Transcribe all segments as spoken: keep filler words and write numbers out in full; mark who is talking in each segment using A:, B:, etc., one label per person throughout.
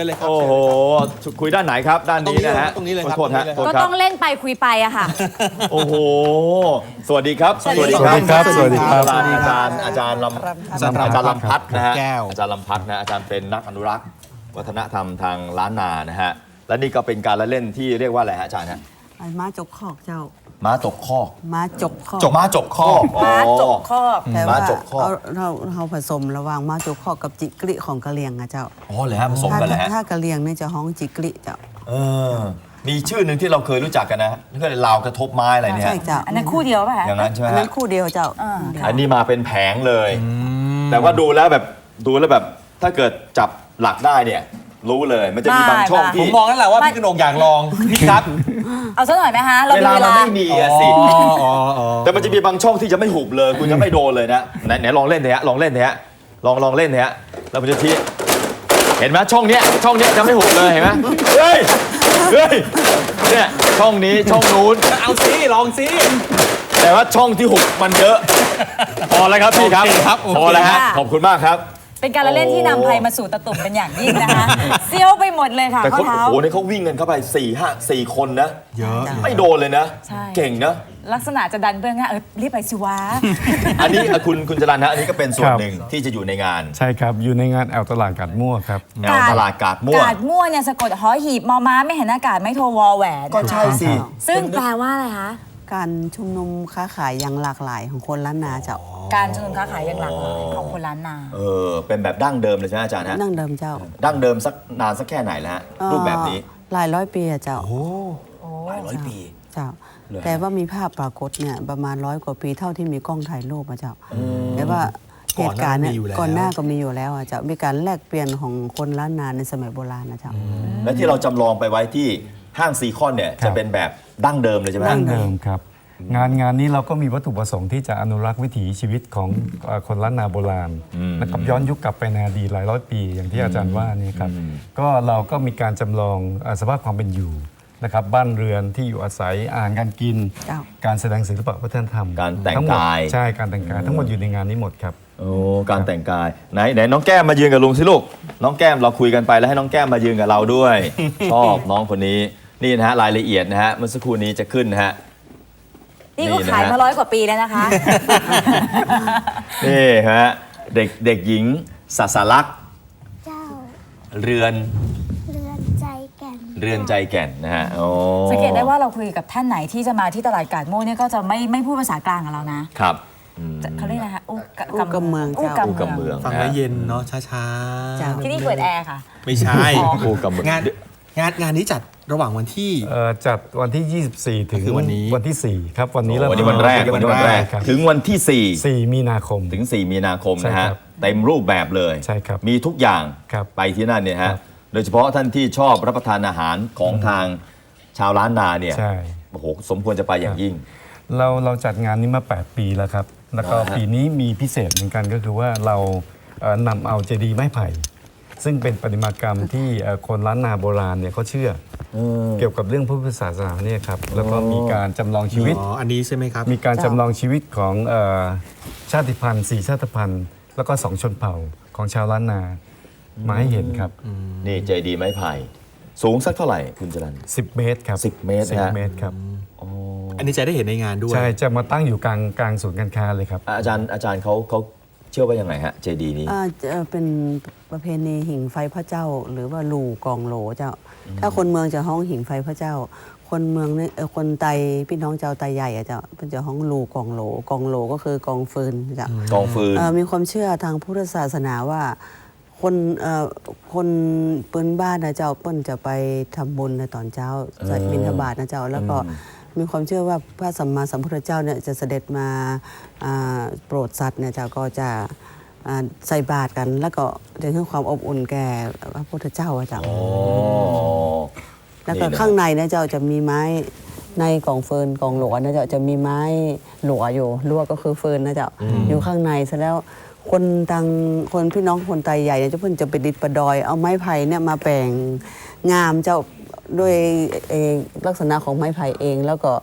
A: ญเลยครับ
B: โอ้โหคุยด้านไหนครับด้านนี้นะฮะ
A: ตรงนี้เลยครับ
B: โทษฮะ
A: ตรงนี้เลย
B: โทษ
C: ก็
B: ครับ
C: ต้องเล่นไปคุยไปอะค่ะ
B: โอ้โหสวัสดีครับ
C: สวัสดีครับ
B: สวัสดีครับ
A: สวัสดี
B: อา
A: ครับ
B: จารย์อาจารย์ลำ
A: อาจารย์
B: อาจารย์ลำพัดนะฮะ
A: แก้ว
B: อาจารย์ลำพัดนะอาจารย์เป็นนักอนุรักษ์วัฒนธรรมทางล้านนานะฮะและนี่ก็เป็นการละเล่นที่เรียกว่าอะไรฮะอาจารย์ฮะ
D: ม้าจกคอกเจ้า
B: ม้าตกคอก
D: ม้าจกคอก
B: จกม้าจกคอก
C: ม้าจกคอก
D: แต่
B: ม้า
D: ว่า
B: จกคอก
D: เอาเราเราผสมระหว่างม้าจกคอกกับจิกลิของกะเหรี่ยงอะเจ้า
B: อ๋อเลยฮะผสม
D: ถ้า
B: กันเลยฮะ
D: ถ้ากะเหรี่ยงเนี่ยจะฮ้องจิกลิเจ้า
B: เออมีชื่อหนึ่งที่เราเคยรู้จักกันนะนี่ก็เลยลาวกระทบไม้อะไรเนี่ย
D: ใช่เจ้า
C: อันนั้นคู่เดียวป่ะคะ
B: อย่างนั้นใช่ไหม
D: อัน
B: ฮะ
D: นั้นคู่เดียวเจ้า
C: อ่า
D: เดียว
B: อันนี้มาเป็นแผงเลย แต่ว่าดูแล้วแบบดูแล้วแบบถ้าเกิดจับหลักได้เนี่ยรู้เลยมันจะมีบางช่อง
A: ผ
B: ที่
A: มมองนั่นแหละว่าพี่กนกอยากลองพี่ครับ
C: เอาซะหน่อยไหมคะเรา
B: เว
C: มี
B: ลา
C: เว
B: มัน
C: ลา
B: ไม่มีอะสิ
A: อ๋ออ๋ออ๋อ
B: แต่มันจะมีบางช่องที่จะไม่หุบเลย คุณจะไม่โดนเลยนะไหนไหนลองเล่นเถอะลองเล่นเถอะลองลองเล่นเถอะแล้วมันจะทีเห็นไหมช่องเนี้ยช่องเนี้ยจะไม่หุบเลยเห็นไหมเฮ้ยเฮ้ยเนี่ยช่องนี้ช่องนู้น
A: เอาสิลองสิ
B: แต่ว่าช่องที่หุบมันเยอะพอแล้วครับพี่ครับ
A: โอเคครับโอเค
B: พอแล้วฮะขอบคุณมากครับ
C: เป็นการละเล่นที่นำภัยมาสู่ตะตุ่มเป็นอย่างยิ่งนะคะเซี่ยวไปหมดเลยค่ะ
B: แต่
C: ข้อ
B: เขา
C: เท้า
B: โอ้โหนี่เขาวิ่งกันเข้าไปสี่ห้าสี่คนนะ
A: เยอะ
B: ไม่โดนเลยนะ
C: ใช่
B: เก่งนะ
C: ลักษณะจะดันเบื้องหน้าเออรีบไปสิวะ
B: อันนี้อ่ะคุณคุณจรัญนะอันนี้ก็เป็นส่วน
E: ครับ
B: หนึ่งที่จะอยู่ในงาน
E: ใช่ครับ อยู่ในงานแอลตลาดกัดมั่วครับ
B: แนวตลาดกาดม่วง
C: กาดมั่วเนี่ยสะกดหอหีบมอม้าไม่เห็นอากาศไม่โทรวอแหวน
B: ก็ใช่สิ
C: ซึ่งแปลว่าอะไรคะ
D: การชุมนุมค้าขายอย่างหลากหลายของคนล้านนาเจ้า
C: การชุมนุมค้าขายอย่างหลากหลายของคนล้านนา
B: เออเป็นแบบดั้งเดิมเลยใช่ไหมอาจารย์ฮะ
D: นั่งเดิมเจ้า
B: ดั้งเดิมสักนานสักแค่ไหนแล้วฮะรูปแบบนี้
D: เอ่อหลายร้อยปีอะเจ้า
B: หลายร้อยปี
D: เจ้า
B: เลย
D: แต่ว่ามีภาพปรากฏเนี่ยประมาณร้อยกว่าปีเท่าที่มีกล้องถ่ายรูปอะเจ้าแต่ว่าเหตุการณ์เนี่ยก่อนหน้าก็มีอยู่แล้วอะเจ้ามีการแลกเปลี่ยนของคนล้านนาในสมัยโบราณนะเจ้า
B: และที่เราจำลองไปไว้ที่ห้างซีคอนเนี่ย
E: ครับ
B: จะเป็นแบบดั้งเดิมเลยใช่ไหม
E: ดั้งเดิมครับ งานงานนี้เราก็มีวัตถุประสงค์ที่จะอนุรักษ์วิถีชีวิตของเอ่อคนล้านนาโบราณนะครับย้อนยุคกลับไปในอดีตหลายร้อยปีอย่างที่อาจารย์ว่านี่ครับก็เราก็มีการจำลองเอ่อสภาพความเป็นอยู่นะครับบ้านเรือนที่อยู่อาศัยอาหารการกิน
D: เจ้า
E: การแสดงศิลปะวัฒนธรรม
B: การแต่ง
E: ทั้หมด
B: กาย
E: ใช่การแต่งกายทั้งหมดอยู่ในงานนี้หมดครับ
B: โอ้การแต่งกายไหนไหนน้องแก้มมายืนกับลุงสิลูกน้องแก้มเราคุยกันไปแล้วให้น้องแก้มมายืนกับเราด้วย ชอบน้องคนนี้นี่นะฮะรายละเอียดนะฮะเมื่อสักครู่นี้จะขึ้นนะฮะ
C: นี่ก็
B: นี่นะฮะ
C: ขายมาร้อยกว่าปีแล้วนะคะ
B: นี่ฮะเด็กเด็กหญิงสัสลักษณ์
F: เจ้า
B: เรือน
F: เรือนใจแก่น
B: เรือนใจแก่นนะฮะโอ้
C: สังเกตได้ว่าเราคุยกับท่านไหนที่จะมาที่ตลาดกาดโม่เนี่ยก็จะไม่ไม่พูดภาษากลางกับเรานะครับ
B: อืม
C: จะเขาเรียกอะไรคะอู้
D: อู้กำเมือง
C: อู้
D: เจ้า
B: อู้กำ
C: กำ
B: เมื
C: เมื
B: อ
C: อง ง
A: ฟังแล้วเย็นเนาะช้า
D: จ้ะ
C: ที่นี่เปิดแอร์ค่ะ
A: ๆ ไม่ใช่
B: โอ้กำเมือง
A: งานงานงานนี้จัดระหว่างวันที่
E: เอ่อจัดวันที่ ยี่สิบสี่ ถึง
A: คือวันนี้
E: วันที่สี่ครับวันนี้เริ่ม
B: วันนี้วันแรกวันนี้วันแรก
E: ครับ
B: ถึงวันที่สี่
E: สี่มีนาคม
B: ถึง สี่ มีนาคม
E: ใช่
B: นะฮะ
E: ครับ
B: เต็มรูปแบบเลย
E: ใช่ครับ
B: มีทุกอย่าง
E: ครับ
B: ไปที่นั่นเนี่ย
E: ครั
B: ฮะ
E: บ
B: โดยเฉพาะท่านที่ชอบรับประทานอาหารของทางชาวล้านนาเนี่ย
E: ใช่
B: โอ้โหสมควรจะไปอย่างยิ่ง
E: เราเราจัดงานนี้มา แปด ปีแล้วครับ แล้วก็
B: อ่าฮะ
E: ปีนี้มีพิเศษเหมือนกันก็คือว่าเราเอ่อนำเอาเจดีย์ไม้ไผ่ ซึ่งเป็นประติมากรรมที่เอ่อคนล้านนาโบราณเนี่ยเขาเชื่ออเกี่ยวกับเรื่องพระพุทธศาสนาเนี่ยครับแล้วก็มีการจำลองชีวิต
A: อ๋อ อันนี้ใช่ไหมครับ
E: มีการจำลองชีวิตของเอ่อชาติพันธุ์สี่ชาติพันธุ์ แล้วก็สองชนเผ่าของชาวล้านนามาให้เห็นครับ
B: นี่ใจดีไม้ไผ่สูงสักเท่าไหร่คุณจรัญ
E: สิบ เมตรครับ
B: สิบเมตร
E: สิบ
B: นะฮะ
E: เมตรครับ
A: อันนี้จะได้เห็นในงานด้วย
E: ใช่จะมาตั้งอยู่กลางกลางศูนย์การค้าเลยครับ
B: อาจารย์อาจารย์เขาเขาเชื่อว่ายังไงฮะเจดีนี้
D: อ่าจะเป็นประเพณีหิ่งไฟพระเจ้า หรือว่าลูกองโหลเจ้า ถ้าคนเมืองจะห้องหิ่งไฟพระเจ้า คนเมืองเนี่ยเอ่อคนไตพี่น้องเจ้าไตใหญ่อะเจ้าเป็นจะห้องลูกองโหลกองโหลก็คือกองฟืนเจ้า
B: กองฟืน
D: เอ่อมีความเชื่อทางพุทธศาสนาว่าคนเอ่อคนปืนบ้านนะเจ้าเปิ้นจะไปทำบุญในตอนเช้าจะบิณฑบาตนะเจ้าแล้วก็มีความเชื่อว่าพระสัมมาสัมพุทธเจ้าเนี่ยจะเสด็จมาอ่าโปรดสัตว์เนี่ยเจ้าก็จะอ่าใส่บาตรกัน แล้วก็จะให้ความอบอุ่นแก่พระพุทธเจ้าอะเจ้า
B: อ๋อ
D: แล้วก็
B: นี่นะ
D: ข้างในนะเจ้าจะมีไม้ในกองเฟิร์นกองหลวนะเจ้าจะมีไม้หลวอยู่ลวก็คือเฟิร์นนะเจ้าอยู่ข้างในเสร็จแล้วคนตังคนพี่น้องคนไตใหญ่เนี่ยเจ้าเพิ่นจะไปดิดประดอย เอาไม้ไผ่เนี่ยมาแปลงงามเจ้าด้วยเอ่อลักษณะของไม้ไผ่เอง แล้วก็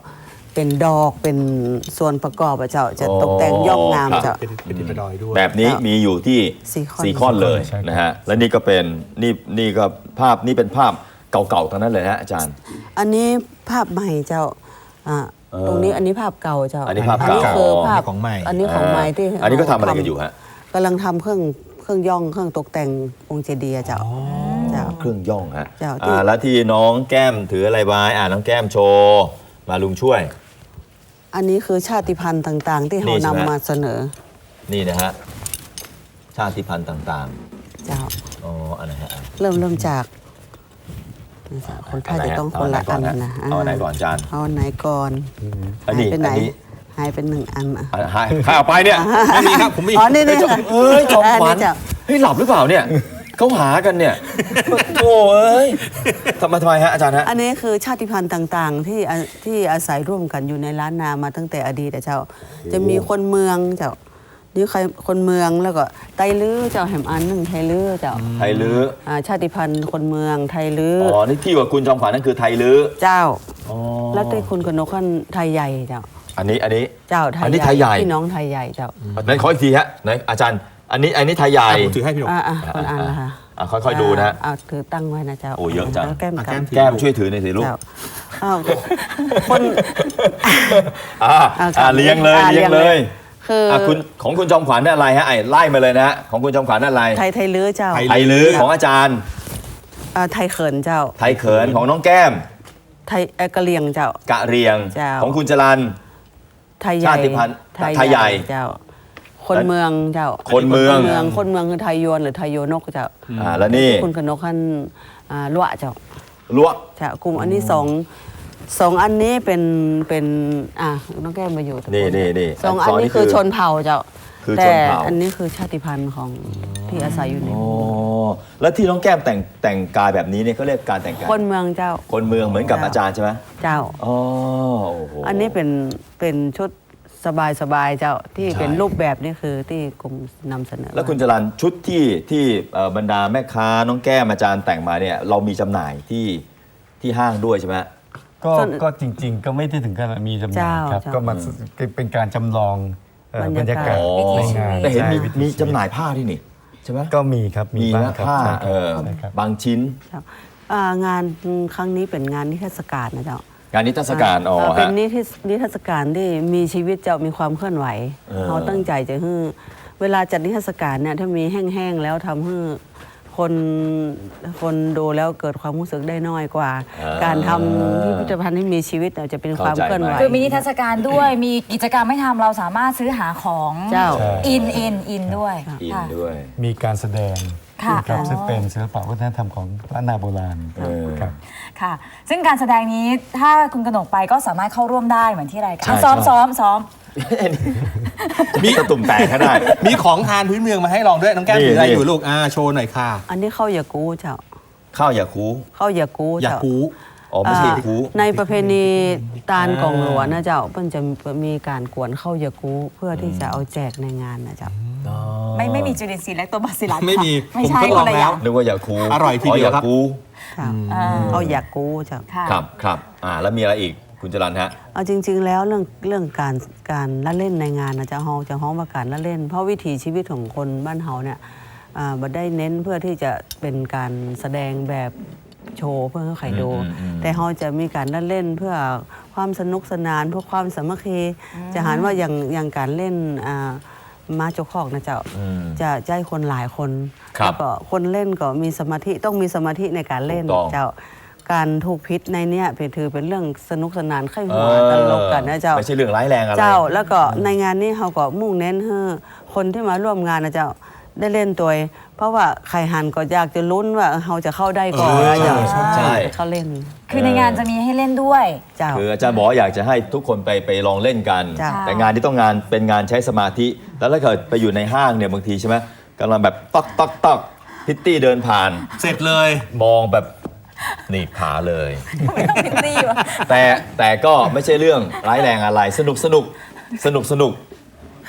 D: เป็นดอกเป็นส่วนประกอบอะเจ้าจะ
B: อ๋อ
D: ตกแต่งย่อมงาม
B: ครับ
D: เจ้า
A: เป็นเป็นดินประดอยด้วย
B: แบบนี้
D: ครับ
B: มีอยู่ที่
D: สี่ข้อน
B: สี่ข้อนเลย
E: ใช่ครับ
B: นะฮะและนี่ก็เป็นนี่นี่ก็ภาพนี่เป็นภาพเก่าๆทั้งนั้นเลยนะอาจารย์
D: อันนี้ภาพใหม่เจ้าอ่า
B: เออ
D: ตรงนี้อันนี้ภาพเก่าเจ้า
B: อันนี้ภาพ
D: อัน
B: เก่า
D: นี้คือภาพ
A: ของใหม่
D: อันนี้ของใหม่ที่
B: อันนี้ก็ทำอะไรกันอยู่ฮะ
D: กำลังทำเครื่องเครื่องย่องเครื่องตกแต่งองค์เจดีย์อะเจ้าเจ้า
B: เครื่องย่องฮะ
D: เจ้าที่
B: อ่าแล้วที่น้องแก้มถืออะไรไว้อ่าน้องแก้มโชว์มาลุงช่วย
D: อันนี้คือชาติพันธุ์ต่างๆ ที่
B: นี่
D: เขา
B: ใช่ไหม
D: นำมาเสนอ
B: นี่นะฮะชาติพันธุ์ต่าง
D: เจ้า
B: ๆอ๋ออันไหนฮะ
D: เริ่มเริ่มจากนี่จ้ะคนไทยจะต้องคนละอันนะ
B: เอาอันไหนก่อนอาจารย์
D: เอาอันไหนก่อน
B: อันนี้
D: หายไปไหน
B: อันนี้
D: หายเป็นหนึ่งอันอ่ะ
B: อ่ะหายใครเอาไปเนี่ย
A: ไม่มีครับผมมี
D: อ๋อนี่นี่ค่ะ
B: เอ้ยจอมขวัญ
D: นนี้จ้ะ
B: เฮ้ยหลับหรือเปล่าเนี่ยเขาหากันเนี่ยโอ้เอ้ยทำไมทำไมฮะอาจารย์ฮะ
D: อันนี้คือชาติพันธุ์ต่างๆ ที่อาที่อาศัยร่วมกันอยู่ในล้านนามาตั้งแต่อดีตอะเจ้า จะมีคนเมืองเจ้านี่ใครคนเมืองแล้วก็ไตลื้อเจ้าแหมอันหนึ่งไทยลื้อเจ้า
B: ไทยลื้อ
D: อ่าชาติพันธุ์คนเมืองไทยลื้อ
B: อ๋อนี่ที่ว่าคุณจอมขวัญนั่นคือไทยลื้อ
D: เจ้า
B: อ๋อ
D: แล้วได้คุณกนกขันไทยใหญ่เจ้า
B: อันนี้อันนี้
D: เจ้าไทย
B: อันนี้ไทยใหญ่
D: พี่น้องไทยใหญ่เจ้า
B: ไหนขออีกทีฮะไหนอาจารย์ อันนี้อันนี้ไทยใหญ่
A: ผมถือให้พี่หนุ่ม
D: อ่าอ่าคนอันละค่ะ
B: อ่ะค่อยๆดูนะฮะ
D: อ่าถือตั้งไว้นะเจ้า
B: โอ้เยอะจัง
D: แล้วแก้ม
A: อ่ะ
D: กำ
A: แก้ม
B: แก้มช่วยถือหน่อยสิลูก
D: เจ้าอ้าวคน
B: อ่า
D: อ่ะ
B: อ่าเลี้ยงเลย
D: อ่ะ
B: เลี้ยง
D: เลี้
B: เลย
D: ง คือ
B: อ่ะคุณของคุณจอมขวัญนั่นอะไรฮะไอ้ไล่มาเลยนะฮะของคุณจอมขวัญนั่นอะไร
D: ไทยไทยลื้อเจ้า
A: ไทย
B: ไทยลื้อของอาจารย์
D: อ่าไทยเขินเจ้า
B: ไทยเขินของน้องแก้ม
D: ไทยเอ่อกะเหรียงเจ้า
B: กะเรียง
D: เจ้า
B: ของคุณจรัน
D: ไทยใหญ่
B: ชาติพันธุ์ไทยใหญ่
D: เจ้า คนเมืองเจ้า
B: คนเมือง
D: คนเมืองคนเมืองคือไทยยวนหรือไทยโยนกเจ้า
B: อ่าแล้วนี่
D: คุณกนกขันอ่าลวะเจ้า
B: ลวก
D: เจ้ากลุ่มอันนี้สองสองอันนี้เป็นเป็นอ่ะน้องแก้มมาอยู่ตรง
B: นี่นี่นี่
D: สองอันนี้คือชนเผ่าเจ้า
B: คือช
D: แต่
B: นเผ่า
D: อันนี้คือชาติพันธุ์ของที่อาศัยอยู่ใน
B: อ๋อแล้วที่น้องแก้มแต่งแต่งกายแบบนี้เนี่ยเขาเรียกการแต่งกาย
D: คนเมืองเจ้า
B: คนเมืองเหมือนกับ
D: เจ้า
B: อาจารย์ใช่ไหม
D: เจ้า
B: อ๋อโอ้โห
D: อันนี้เป็นเป็นชุดสบายสบายๆเจ้าที่
B: ใช่
D: เป็นรูปแบบนี่คือที่กรมนำเสนอ
B: แล้วคุณจรันชุดที่ที่เอ่อบรรดาแม่ค้าน้องแก้มอาจารย์แต่งมาเนี่ยเรามีจำหน่ายที่ที่ห้างด้วยใช่ไหม
E: ก็ก็จริง ๆ ก็ไม่ได้ถึงขนาดมีจำหน่ายครับ
D: เจ้า
E: ก็มันเป็นการจำลองเอ่อบ
D: ร
E: ร
D: รยากา
E: รยากา
D: ศ
E: ศในงาน
B: แต่เห็นมี
E: ใช่
B: มีจำหน่ายผ้าที่นี่ใช่ไหม
E: ก็มีครับมี
B: มี
E: บ้าง
B: นะครับ
E: ใช่
B: เออ
E: ใช่ครับ
B: บางชิ้น
D: เจ้าอ่างานครั้งนี้เป็นงานนิทรรศการนะเจ้า
B: งานนิทรรศการอ๋อ
D: เเป็น
B: ฮะ
D: นิทรรศนิทรรศการที่มีชีวิตเจ้ามีความเคลื่อนไหว
B: เออ
D: เขาตั้งใจจะให้เวลาจัดนิทรรศการเนี่ยถ้ามีแห้งๆแล้วทำให้คนคนดูแล้วเกิดความรู้สึกได้น้อยกว่า การทำพิพิธภัณฑ์ให้มีชีวิตเนี่ยจะเป็นความเคลื่อนไหว
C: คือมีนิทรรศการด้วย มีกิจกรรมให้ทำเราสามารถซื้อหาของ
D: เจ้า
C: อินอินอินด้วย
B: อิน
C: ค่ะ
B: ด้วย
E: มีการแสดง
C: ค่ะ
E: ครับ
C: อ๋อ
E: ซึ่งเป็นศิลปะวัฒนธรรมของล้านนาโบราณ
B: เออ
E: ครับ
C: ค่ะ ซึ่งการแสดงนี้ถ้าคุณกนกไปก็สามารถเข้าร่วมได้เหมือนที่รายการ
B: ใช่
C: ซ้อม
B: ใช่
C: ซ้อมซ้อม
B: มีตะตุ่มแตกก็ได้
A: มีของทานพื้นเมืองมาให้ลองด้วยน้องแก้ม
B: นี่
A: ถืออะไร
B: นี่
A: อยู่ลูกอ่าโชว์หน่อยค่ะ
D: อันนี้ข้าวเหยากูเจ้า
B: ข้าวอย่าคู
D: ข้าวเหยากู
A: อยาก
D: เจ้า
A: กู
B: อ๋อไม่ใช่คู
D: อ่าในประเพณีตาลกองหลวงนะเจ้าเพิ่นจะมีการกวนข้าวเหยากูเพื่อที่จะเอาแจกในงานนะเจ้า
C: ไม่ไม่มีจุลินทรีย์และตัวบาซิลัส
A: ไม่มี
C: ไม่
A: ผม
C: ใช่
A: ทดล
C: ค
A: อง
C: นละอ
A: แล้
C: ย่าว ง
B: นึกว่าอย่าคู
A: อร่อยทีเดียวครับ
B: อ๋ออาคู
D: ค่ะ
C: อ่า
D: ข้าวเหยากูเจ้า
C: ค่ะ
B: ครับครับอ่าแล้วมีอะไรอีกคุณจรันฮะ
D: เอาจริง ๆ แล้วเรื่องเรื่องการการละเล่นในงานนะจะเฮาจะฮ้องว่าการละเล่น เพราะวิถีชีวิตของคนบ้านเฮาเนี่ยอ่าบ่ได้เน้นเพื่อที่จะเป็นการแสดงแบบโชว์เพื่อให้ใครดู
B: อืมอืม
D: แต่เฮาจะมีการละเล่นเพื่อความสนุกสนานเพื่อความสามัคคีจะหันว่าอย่างอย่างการเล่นอ่าม้าโจกคอกนะเจ้า
B: อืม
D: จะใจคนหลายคน
B: ครับ
D: แล้วก็คนเล่นก็มีสมาธิต้องมีสมาธิในการเล่น
B: ถูกต้อง
D: เจ้าการถูกพิษในเนี้ยเป็นถือเป็นเรื่องสนุกสนานไข้หัวตลกกันนะเจ้า
B: ไม่ใช่เรื่องร้ายแรงอะไร
D: เจ้าแล้วก็ในงานนี้เขาก็มุ่งเน้นให้คนที่มาร่วมงานนะเจ้าได้เล่นตัวเองเพราะว่าใครหันก็อยากจะลุ้นว่าเขาจะเข้าได้ก่อนนะเจ้า
B: ใช่
D: เขาเล่น
C: คือในงานจะมีให้เล่นด้วย
D: เจ้า
B: คืออาจารย์บอกว่าอยากจะให้ทุกคนไปไปลองเล่นกัน
D: จ้ะ
B: แต่งานที่ต้องงานเป็นงานใช้สมาธิ แล้วถ้าเกิดไปอยู่ในห้างเนี่ยบางทีใช่ไหมกำลังแบบต๊อกต๊อกต๊อกพิตตี้เดินผ่าน
A: เสร็จเลย
B: มองแบบหนีบขาเลย
C: ไม่ต้องพิตตี้วะ
B: แต่แต่ก็ไม่ใช่เรื่องร้ายแรงอะไรสนุกสนุกสนุกสนุก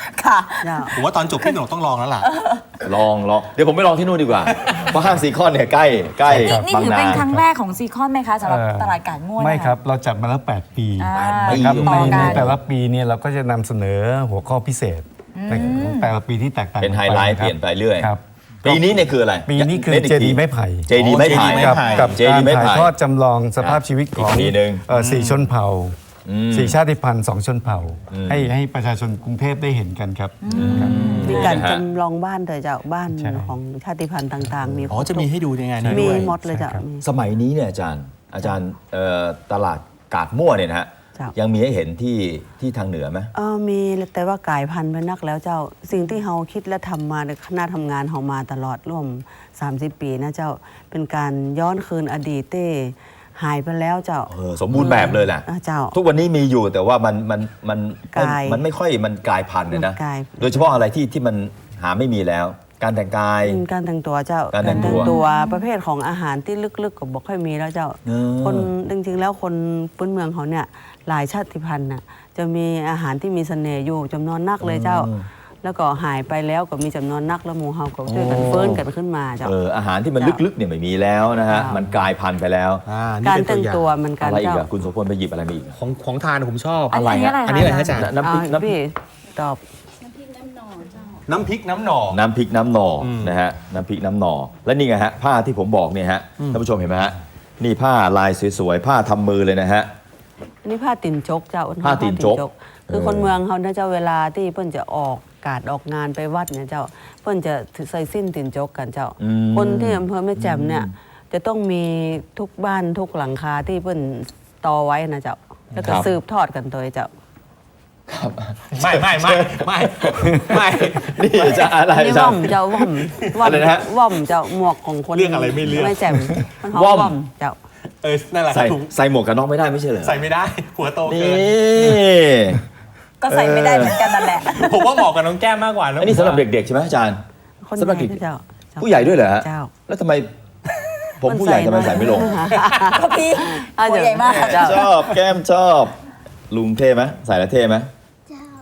C: ค่ะ
D: เจ้า
A: ผมว่าตอนจบพี่หนงต้องลองแล้วล่ะ
B: ลองลองเดี๋ยวผมไปลองที่นู่นดีกว่า เพราะห้างซีคอนเนี่ยใกล้ใกล้
C: นี่นี่
B: บาง
C: ถือ
B: นา
C: เป็นครั้งแรกของซีคอนไหมคะสำหรับ
E: เอ่อ
C: ตลาดกาดม่วน
E: ไม่
C: นะะ
E: ครับ เราจัดมาแล้ว แปด ปี
C: อ่า
E: นะครับ
C: ต่
E: ใน
C: อกั
E: ใน
C: น
E: แต่ละปีเนี่ยเราก็จะนำเสนอหัวข้อพิเศษในของแต่ละปีที่แตกต่าง
B: เป็นไฮไลท์
E: กั
B: เปลี่ยนไปเรื่อย
E: ครับ
B: ปีนี้เนี่ยคืออะไร
E: ปีนี้คือ
B: ล่ก
E: เจดี
B: ที
E: ไม้ไผ่
B: เจดีไม้ไผ่
A: โอ้
E: กับ
A: ไผ่
E: กับ
B: เจ
E: กา
B: ดี
E: ร
B: ไม้ไผ่
E: ถ่ายทอดจำลองสภาพชีวิตของ
B: อีกปีหนึ่ง
E: เอ่อสี่ชนเผ่า
B: อืม
E: สี่ชาติพันธุ์สองชนเผ่า ให้ให้ประชาชนกรุงเทพได้เห็นกันครับครับ
D: มีการ
B: นะฮะ
D: จำลองบ้านเถอะเจ้าบ้าน
E: ใช่
D: ของชาติพันธุ์ต่างๆ มี
A: อ๋อจะมีให้ดูในงานนี้
D: มี
A: ด้วย
D: หมดเลยเจ้า
E: ใช่ครับ
D: มี
B: สมัยนี้เนี่ยอาจารย์อาจารย์เอ่อตลาดกาดมั่วเนี่ยนะฮะ
D: ครับ
B: ยังมีให้เห็นที่ที่ทางเหนือไหม
D: เออมีแต่ว่ากลายพันธุ์ไปนักแล้วเจ้า สิ่งที่เราคิดและทำมาในคณะทำงานเรามาตลอดร่วม สามสิบ ปีนะเจ้าเป็นการย้อนคืนอดีตเต้หายไปแล้วเจ้า
B: เออสมบูรณ์แบบเลยแหละ
D: อ่าเจ้า
B: ทุกวันนี้มีอยู่แต่ว่ามันมันมัน
D: กลาย
B: มันไม่ค่อยมันกลายพันธุ์เลยนะ
D: มันกลาย
B: โดยเฉพาะอะไรที่ที่มันหาไม่มีแล้ว การแต่งกาย
D: การแต่งตัวเจ้า
B: การแต่งตัว
D: ตัวประเภทของอาหารที่ลึกๆก็บอกค่อยมีแล้วเจ้า
B: เออ
D: คนจริงๆแล้วคนพื้นเมืองเขาเนี่ยหลายชาติพันธุ์น่ะจะมีอาหารที่มีเสน่ห์อยู่จำนวนนักเลยเจ้า แล้วก็หายไปแล้วก็มีจำนวนนักแล้วหมู่เฮาก็ช่วยกันเฟื้นกันขึ้นมาเจ้า
B: เอออาหารที่มันลึกๆเนี่ยไม่มีแล้วนะฮะ
D: ครับ
B: มันกลายพันธุ์ไปแล้ว
A: อ่านี่
D: การ
A: เป็น
D: แต่ง
A: ตัวอย่าง
D: ตัวมันการ
B: อะไรอีก
D: เจ้า
B: อะคุณโสพลไปหยิบอะไรมาอีก
A: ของของทานผมชอบ
C: อันนี้อะไรคะ
A: อันนี้อะไรฮะอาจารย์
B: น้ำพริก
D: อ่า
B: น้ำพริ
D: พี่
B: ก
D: ตอบ
A: น้ำพริกน้ำหน่อ
B: น้ำพริกน้ำหน่ออ
A: ม
B: นะฮะน้ำพริกน้ำหน่อและนี่ไงฮะผ้าที่ผมบอกเนี่ยฮะท่านผู้ชมเห็นไหมฮะนี่ผ้าลายสวยๆผ้าทำมือเลยนะฮะ
D: อันนี้ผ้าติ่นจกเจ้า
B: ผ้าติ่นจก
D: คือ
B: เออ
D: คนเมืองเขาเนี่ยเจ้าเวลาที่เพิ่นจะออกการออกงานไปวัดเนี่ยเจ้าเพิ่นจะใส่สิ้นติ่นจกกันเจ้า
B: อืม
D: คนที่อำเภอแม่แจ่มเนี่ยจะต้องมีทุกบ้านทุกหลังคาที่เพิ่นตอไว้นะเจ้าแล้วก็สืบทอดกันโดยเจ้า
A: ไม่ไม่ไม่ไม่ไม่
B: นี่จะอะไร
D: อันนี้
B: จะ
D: ว่อมเจ้าว่อมว่อม
B: อะไรนะฮะ
D: ว่อมเจ้าหมวกของคน
A: เรื่องอะไรไม่เรื่อง
D: แม่แจ่มมันหอม
B: ว่อม
D: ว่อมเจ้า
A: เออนั่นแหละครั
B: ใส่
A: บถุง
B: ใส่หมวกกันน็อกไม่ได้ไม่ใช่เหรอ
A: ใส่ไม่ได้ หัวโต
B: นี่
A: เกิน
C: ก็ใส่ไม่ได้เหมือนกันนั่นแหละ
A: ผมว่าเหมาะกับน้องแก้มมากกว่าะ
B: อันนี้สำหรับเด็กๆใช่ไหมอาจารย์
D: คน
B: สำหรับ
D: ใหญ่
B: เด็ก
D: เจ้าเจ้า
B: ผู้ใหญ่ด้วยเหรอฮะ
D: เจ้า
B: แล้วทำไม ผมผู้ใหญ่ทำไมใส่ไม่ลง
C: ก็พี่
D: อ่ะ
C: ตัวใหญ่มาก
D: เจ้า
B: ชอบแก้มชอบลุงเท่ไหมใส่แล้วเท่ไหม
F: เจ้า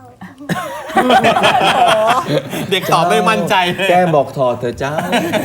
A: เด็กตอบไม่มั่นใจเลย
B: แก้มบอกถอดเถอะจ้า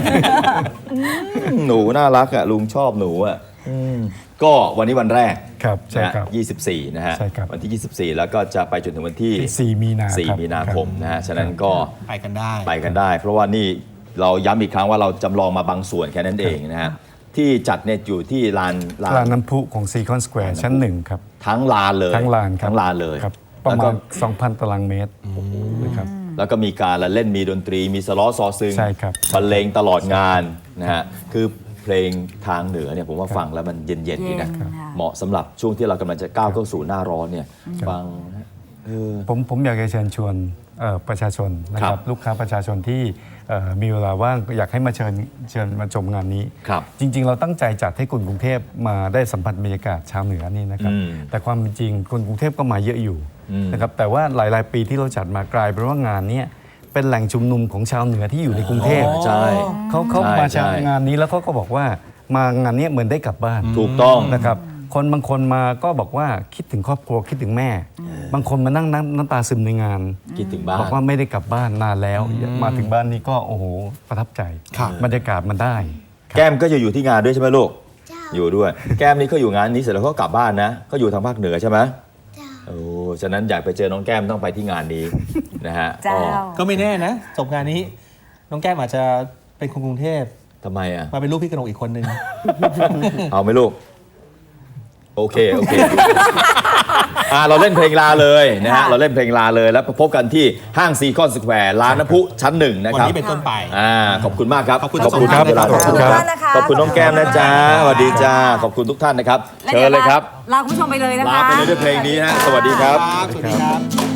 B: หนูน่ารักอ่ะลุงชอบหนูอ่ะอืมก็วันนี้วันแรก
E: ครับใช่
B: นะฮะ
E: ครับ
B: ยี่สิบสี่นะฮะ
E: ใช่ครับ
B: วันที่ ยี่สิบสี่ แล้วก็จะไปจนถึงวันที่
E: สี่มีนา
B: สี่
E: ครับ
B: มีนาคมนะฮะ ฉะนั้น
E: ครับ
B: ก็
A: ไปกันได้
B: ไปกันได้ เพราะว่านี่เราย้ำอีกครั้งว่าเราจำลองมาบางส่วนแค่นั้นเองนะฮะ ที่จัดเนี่ยอยู่ที่ลานลา
E: ลาน
B: น
E: น้ำพุของซีคอนสแควร์ชั้นหนึ่งครับ
B: ทั้งลานเลย
E: ทั้งลานครับ
B: ทั้งลานเลย
E: ครับประ
B: แล้ว
E: มา
B: ก็
E: ณ สองพัน ตารางเมตรนะครับ
B: แล้วก็มีการละเล่นมีดนตรีมีสล้อซอซึง
E: ใช่ครับ
B: บรรเลงตลอดงานนะฮะคือเพลงทางเหนือเนี่ยผมว่าฟังแล้วมันเย็นๆดีนะ
C: เย็นค่ะ
B: เหมาะสำหรับช่วงที่เรากำลังจะก้าวเข้าสู่หน้าร้อนเนี่ยฟังเออ
E: ผมผมอยากจะเชิญชวนเอ่อประชาชนนะค
B: ครั
E: รั
B: บบ
E: ลูกค้าประชาชนที่เอ่อมีเวลาว่างอยากให้มาเชิญเชิญมาชมงานนี้
B: ครับ
E: จริง ๆ เราตั้งใจจัดให้คนกรุงเทพมาได้สัมผัสบรรยากาศชาวเหนือนี่นะครับ
B: อืม
E: แต่ความเป็นจริงคนกรุงเทพก็มาเยอะอยู่
B: อืม
E: นะครับแต่ว่าหลาย ๆ ปีที่เราจัดมากลายเป็นว่างานเนี้ยเป็นแหล่งชุมนุมของชาวเหนือที่อยู่ในกรุงเทพ
B: ใช่
E: เขาเขา
B: ใช่
E: มา
B: ใช่
E: งานนี้แล้วเขาก็บอกว่ามางานเนี้ยเหมือนได้กลับบ้าน
B: ถูกต้อง
E: นะครับคนบางคนมาก็บอกว่าคิดถึงครอบครัวคิดถึงแม่ บางคนมานั่งน้ำน้ำตาซึมในงาน
B: คิดถึงบ้าน
E: บอกว่าไม่ได้กลับบ้านนานแล้ว มาถึงบ้านนี้ก็โอ้โหประทับใจ
A: ครับ
E: บรรยากาศมันได้
B: แก้มก็จะอยู่ที่งานด้วยใช่ไหมลูก
F: เจ้า
B: อยู่ด้วย แก้มนี่ก็อยู่งานนี้เสร็จแล้วก็กลับบ้านนะก็อยู่ทางภาคเหนือใช่ไหม
F: เจ้า
B: โอ้ฉะนั้นอยากไปเจอน้องแก้มต้องไปที่งานนี้ นะฮะ
C: เจ้า
B: ก็
A: ก็ไม่แน่นะจบงานนี้ น้องแก้มอาจจะเป็นคนกรุงเทพ
B: ทำไมอ่ะ
A: มาเป็นลูกพี่กนกอีกคนนึง
B: เอาไหมลูก โอเค โอเค อ่าเราเล่นเพลงลาเลยนะฮะ
C: ค่ะ
B: เราเล่นเพลงลาเลยแล้วพบกันที่ห้างซีคอนสแควร์ร้านน้ำพุชั้นหนึ่งนะ
A: วัน
B: ครับ
A: นี้เป็นต้นไป
B: อ่าขอบคุณมากครับ
A: ขอบคุณ
B: ขอบคุณครับ
A: ทั้งสองท่าน
B: เวลา
A: นะครับ
B: ขอบคุณครับ
C: ขอบคุณมากนะคะ
B: ขอบคุณน้องแก้มนะจ๊ะ
C: ขอบคุณค่ะ
B: สวัสดีจ้าขอบคุณทุกท่านนะครับ
C: และ
B: เชิ
C: ดี๋
B: ญ
C: ว
B: เลยครับ
C: ลาคุณผู้ชมไปเลยนะคะ
B: ลาไปเลยด้วยเพลงนี้ฮะสวัสดีครับ
A: สวัสดีครับ